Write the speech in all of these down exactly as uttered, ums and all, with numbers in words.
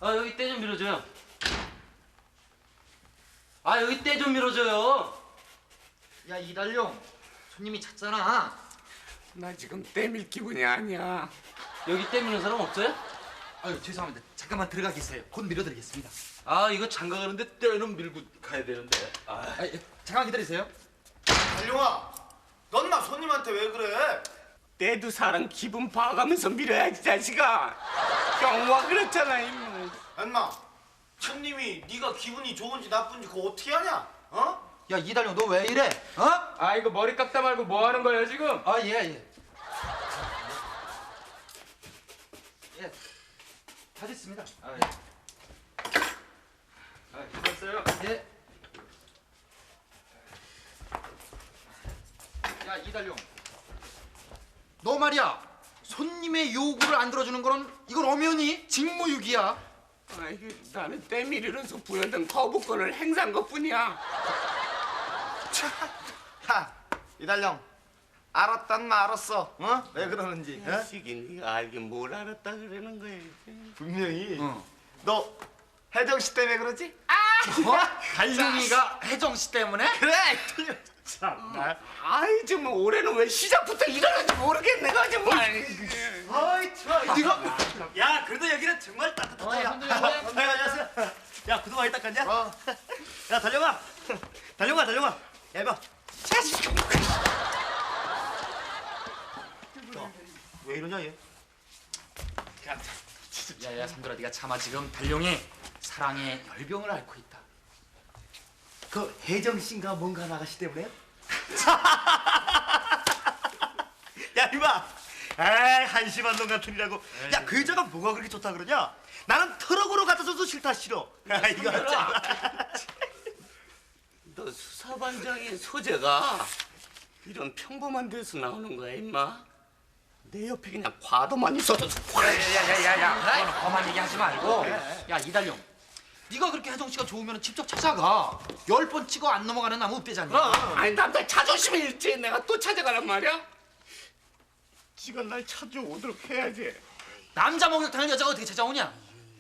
아 여기 때 좀 밀어줘요. 아 여기 때 좀 밀어줘요. 야 이달룡, 손님이 찼잖아. 나 지금 때밀 기분이 아니야. 여기 때 미는 사람 없어요? 아유 죄송합니다. 잠깐만 들어가 계세요. 곧 밀어드리겠습니다. 아 이거 장가 가는데 때는 밀고 가야 되는데. 아, 아, 예, 잠깐 기다리세요. 달룡아, 넌 막 손님한테 왜 그래? 때도 사람 기분 봐가면서 밀어야지 자식아. 경화 그렇잖아 임마. 엄마, 손님이 네가 기분이 좋은지 나쁜지 그거 어떻게 하냐? 어? 야 이달룡 너 왜 이래? 어? 아 이거 머리 깎다 말고 뭐 하는 거예요 지금? 아 예 예. 예. 다 됐습니다. 아 예. 아 됐어요. 예. 야 이달룡, 너 말이야 손님의 요구를 안 들어주는 거는 이건 엄연히 직무유기야. 아이고 나는 때밀이로서 부여된 거부권을 행사한 것뿐이야. 하, 이달룡, 알았단 마 알았어. 어? 왜 그러는지. 어? 자식이 네가 알긴 뭘 알았다 그러는 거야. 분명히 어. 너 혜정 씨 때문에 그러지? 뭐? 달룡이가 혜정 씨 때문에? 그래. 참나. 아이 정말 올해는 왜 시작부터 이러는지 모르겠네 정말. 어이 참. 네가. 야, 그래도 여기는 정말 따뜻하다. 어, 야. 선생님, 아, 안녕하세요. 야, 구두 많이 닦았냐? 어. 야, 달룡아. 달룡아, 달룡아. 야, 이봐. 야, 왜 이러냐 얘? 야야 삼돌아, 네가 차마 지금 달룡이 사랑의 열병을 앓고 있다. 그 혜정 씨인가 뭔가 나가시 때문에? 야 이봐, 에이 한심한 놈 같으니라고. 야 그 여자가 뭐가 그렇게 좋다 그러냐? 나는 트럭으로 갖다 줘도 싫다 싫어. 야 이거 참. 너 수사반장의 소재가 이런 평범한 데서 나오는 거야 임마. 내 옆에 그냥 과도만 있어도 야야야야야, 너는 험한 얘기 하지 말고. 야 이달룡, 네가 그렇게 혜정 씨가 좋으면 직접 찾아가. 열 번 찍어 안 넘어가는 나무 up대잖냐. 아니 남자 자존심이 일지 내가 또 찾아가란 말이야? 지가 날 찾아오도록 해야지. 남자 목욕탕을 여자가 어떻게 찾아오냐?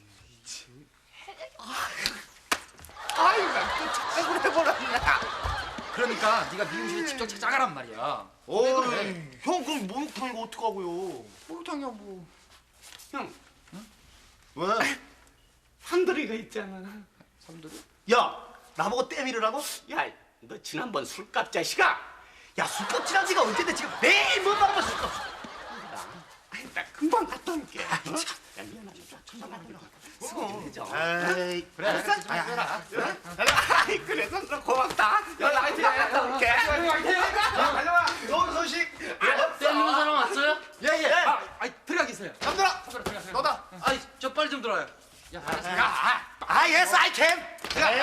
아이 나또 착각을 해버렸네. 그러니까 네가 미용실에 직접 찾아가란 말이야. 어이, 그래? 형 그럼 목욕탕 이거 어떡하고요? 목욕탕이야 뭐. 형 왜? 한돌이가 있잖아. 삼돌이? 야 나보고 때밀으라고? 야 너 지난번 술값 자식아. 야 술값 지난 지가 언젠데 지금 매일 못 말하면 술값. 아이 나 금방 갔다 올게. 어? 야 미안하다. 금방 갔다 올게. 수고해줘. 에이 그래. 알았어. 알아. 아이 그래서 너 고맙다. 연락 금방 갔다 올게. 달려와. 좋은 소식. 때 미는 사람 왔어요? 예예. 아, 아이 들어가 계세요. 잠들아. 너다. 아이 저 빨리 좀 들어와요. 야 알았어. 아 예스 아이 캔.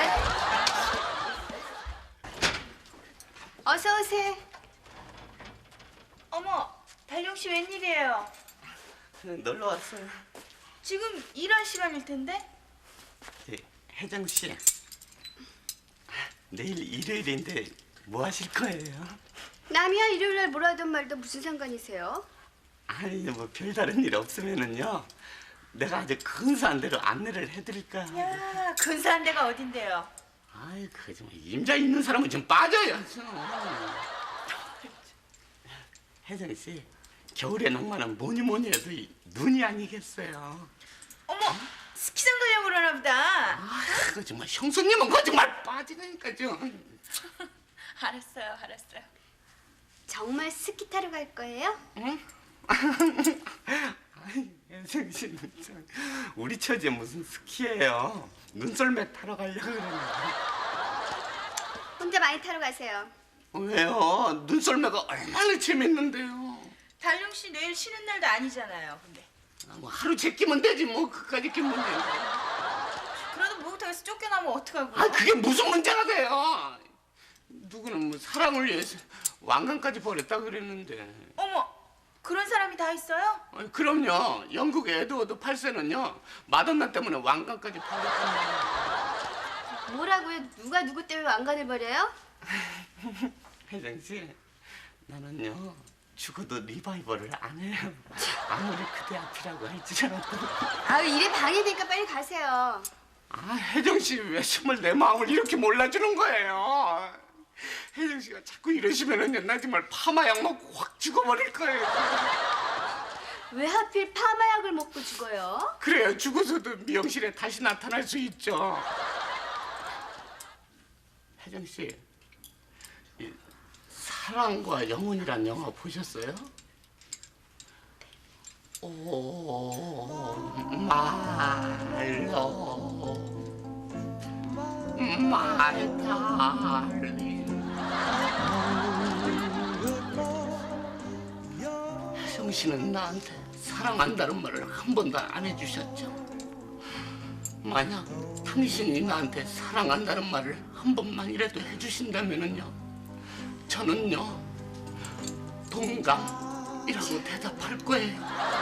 어서 오세요. 어머, 달룡 씨 웬일이에요? 놀러 왔어요. 지금 일할 시간일 텐데? 네, 혜정 씨. 내일 일요일인데 뭐 하실 거예요? 남이야 일요일 날 뭐라 하든 말든 무슨 상관이세요? 아니 뭐 별다른 일 없으면은요. 내가 아주 근사한 대로 안내를 해드릴까. 야, 근사한 데가 어딘데요? 아이 그 정말 임자 있는 사람은 좀 빠져야죠. 혜정 씨, 겨울의 낭만은 뭐니 뭐니 해도 이 눈이 아니겠어요. 어머, 스키장 가려고 그러나 보다. 아, 그 정말 형수님은 그 정말 빠지니까요. 알았어요, 알았어요. 정말 스키 타러 갈 거예요? 응? 아이, 혜정 씨는 참 우리 처제 무슨 스키예요. 눈썰매 타러 가려고 그러는데. 혼자 많이 타러 가세요. 왜요? 눈썰매가 얼마나 재밌는데요. 달룡 씨 내일 쉬는 날도 아니잖아요, 근데. 아, 뭐 하루 제끼면 되지 뭐 그까짓 게 문제. 그래도 목욕탕에서 쫓겨나면 어떡하고? 아 그게 무슨 문제가 돼요? 누구는 뭐 사랑을 위해서 왕관까지 버렸다 그랬는데. 어머, 그런 사람이 다 있어요? 아니, 그럼요. 영국의 에드워드 팔 세는요 마돈나 때문에 왕관까지 버렸잖아요. 뭐라고요? 누가 누구 때문에 왕관을 버려요? 혜정 씨, 나는요 죽어도 리바이벌을 안 해. 아무리 그대 앞이라고 할지라도. 아, 일에 방해되니까 빨리 가세요. 아, 혜정 씨 왜 정말 내 마음을 이렇게 몰라주는 거예요? 혜정 씨가 자꾸 이러시면은요, 나 정말 파마약 먹고 확 죽어버릴 거예요. 왜 하필 파마약을 먹고 죽어요? 그래야 죽어서도 미용실에 다시 나타날 수 있죠. 혜정 씨, 이 사랑과 영혼이란 영화 보셨어요? 오, 말로, my darling. 혜정 씨는 나한테 사랑한다는 말을 한 번도 안 해주셨죠? 만약 당신이 나한테 사랑한다는 말을 한 번만이라도 해주신다면은요, 저는요 동감이라고 대답할 거예요.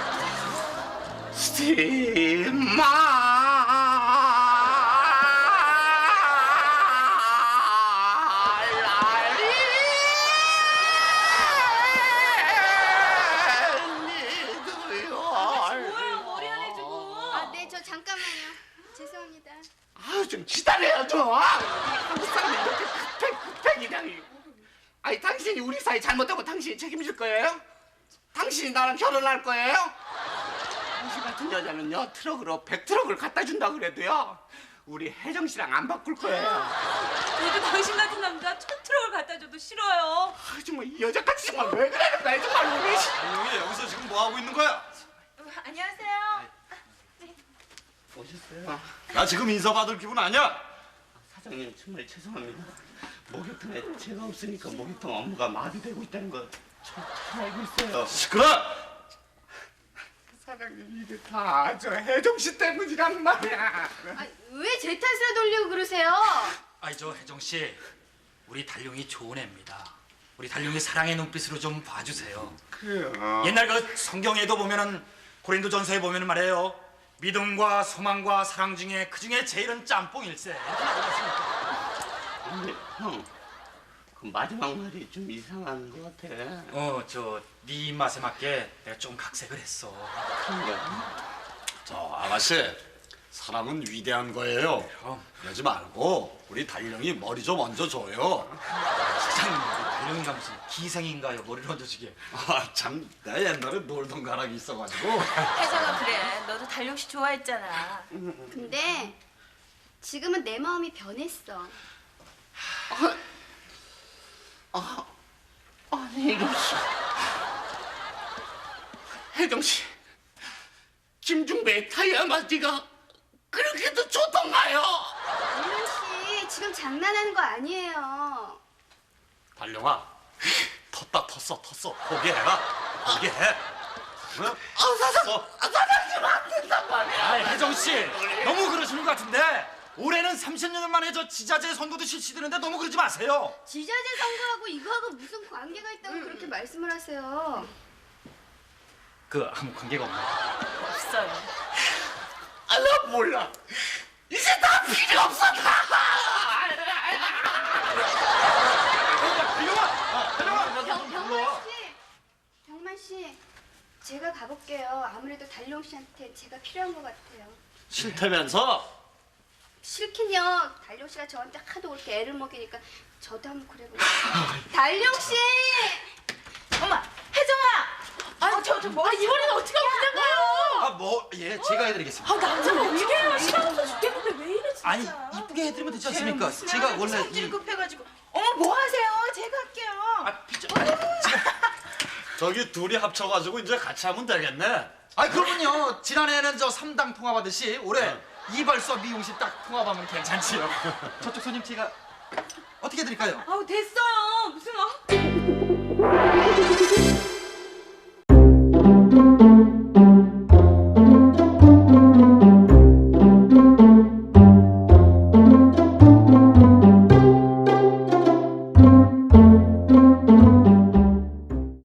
아, 네, 저 잠깐만요. 죄송합니다. 아유, 좀 기다려야죠. 한국 사람이 이렇게 급해 급해 그냥. 아니, 당신이 우리 사이 잘못하고 당신이 책임질 거예요? 당신이 나랑 결혼할 거예요? 당신 같은 여자는요, 트럭으로 백 트럭을 갖다 준다 그래도요, 우리 혜정 씨랑 안 바꿀 거예요. 저도 당신 같은 남자 천 트럭을 갖다 줘도 싫어요. 아, 정말 이 여자까지 정말 왜 그러는 거야, 정말 우리. 달룡이 여기서 지금 뭐 하고 있는 거야? 안녕하세요. 오셨어요? 나 지금 인사 받을 기분 아니야? 사장님, 정말 죄송합니다. 목욕탕에 제가 없으니까 목욕탕 업무가 마비되고 있다는 거 잘 알고 있어요. 시끄러! 사장님, 이게 다 저 혜정 씨 때문이란 말이야. 아, 왜 제 탓을 돌리고 그러세요? 아이 저 혜정 씨, 우리 달룡이 좋은 애입니다. 우리 달룡이 사랑의 눈빛으로 좀 봐주세요. 그래요. 옛날 그 성경에도 보면은 고린도 전서에 보면은 말이에요, 믿음과 소망과 사랑 중에 그 중에 제일은 짬뽕일세. 이렇게 나오지 않습니까? 근데 형, 그 마지막 말이 좀 이상한 것 같아. 어, 저 네 입맛에 맞게 내가 좀 각색을 했어. 그런 거야? 저 아가씨, 사람은 위대한 거예요. 그럼 그러지 말고 우리 달룡이 머리 좀 얹어줘요. 사장님, 우리 달룡이가 무슨 기생인가요? 머리를 얹어주게. 아, 참, 나 옛날에 놀던 가락이 있어가지고. 혜정아, 그래. 너도 달룡 씨 좋아했잖아. 근데 지금은 내 마음이 변했어. 아, 아니 이럴 수. 혜정 씨, 김중배의 타이어 맞기가 그렇게도 좋던가요? 달룡 씨, 지금 장난하는 거 아니에요. 달룡아, 텄다 텄어 텄어. 포기해라. 포기해. 응? 아, 사장, 아, 사장님 안 된단 말이야. 아, 혜정 씨, 너무 그러시는 것 같은데 올해는 삼십 년 만에 저 지자체 선거도 실시되는데 너무 그러지 마세요. 지자체 선거하고 이거하고 무슨 관계가 있다고 그렇게 말씀을 하세요? 그 아무 관계가 없나요? 없어요. 아, 나 몰라. 이제 다 필요 없어, 다. 병, 병만 씨, 병만 씨, 제가 가볼게요. 아무래도 달룡 씨한테 제가 필요한 것 같아요. 싫다면서? 싫긴요. 달룡 씨가 저한테 하도 그렇게 애를 먹이니까 저도 한번 그래볼게요. 달룡 씨! 엄마, 혜정아. 아, 저, 저 뭐? 아, 이번에는 어떻게 하면 된다고요? 아, 뭐, 예, 제가 해드리겠습니다. 아, 남자가 어떻게 해요? 시간 없어 죽겠는데 왜 이래 진짜? 아니, 이쁘게 해드리면 되지 않습니까? 제가 원래 성질 이... 급해가지고. 어머, 뭐 하세요? 제가 할게요. 아, 비켜. 아니, 제가... 저기 둘이 합쳐가지고 이제 같이 하면 되겠네. 아, 그러면요, 지난해에는 저 삼당 통합하듯이 올해 이발소 미용실 딱 통합하면 괜찮지요. 저쪽 손님 제가 어떻게 해드릴까요? 아우, 됐어요. 무슨 어?